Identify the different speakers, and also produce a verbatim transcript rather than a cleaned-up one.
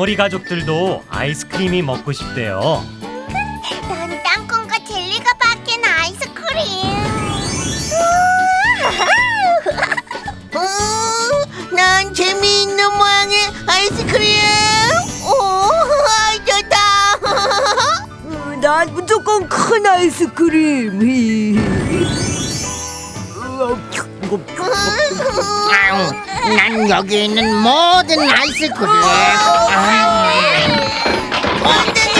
Speaker 1: 덩어리 가족들도 아이스크림이 먹고 싶대요.
Speaker 2: 난 땅콩과 젤리가 바뀐 아이스크림.
Speaker 3: 어, 난 재미있는 모양의 아이스크림. 오, 좋다.
Speaker 4: 난 무조건 큰 아이스크림.
Speaker 5: 아우, 난 여기 있는 모든 아이스크림. 아,
Speaker 3: 안 돼,